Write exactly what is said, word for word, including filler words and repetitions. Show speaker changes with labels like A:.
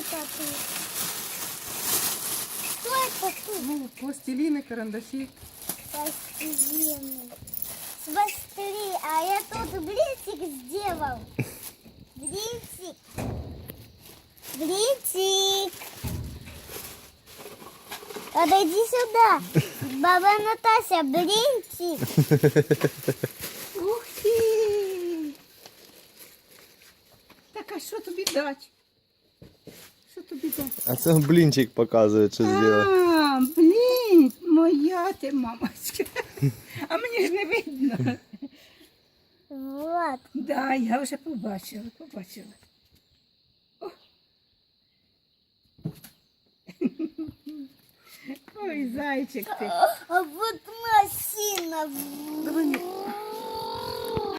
A: это тут? Что это тут?
B: Ну, пластилины, карандаши.
A: Пластилины. Смотри, а я тут блинчик сделал. Блинчик. Блинчик. Подойди сюда. Баба Наташа, блинчик.
B: Ух ти! Так, а що тобі дать? Що тобі дать?
C: А це блінчик показує, що зробив.
B: А, блін, моя ти мамочка. А мені ж не видно.
A: Вот.
B: Да, я вже побачила, побачила. О. Ой, зайчик ти.
A: А вот машина.
B: Давай,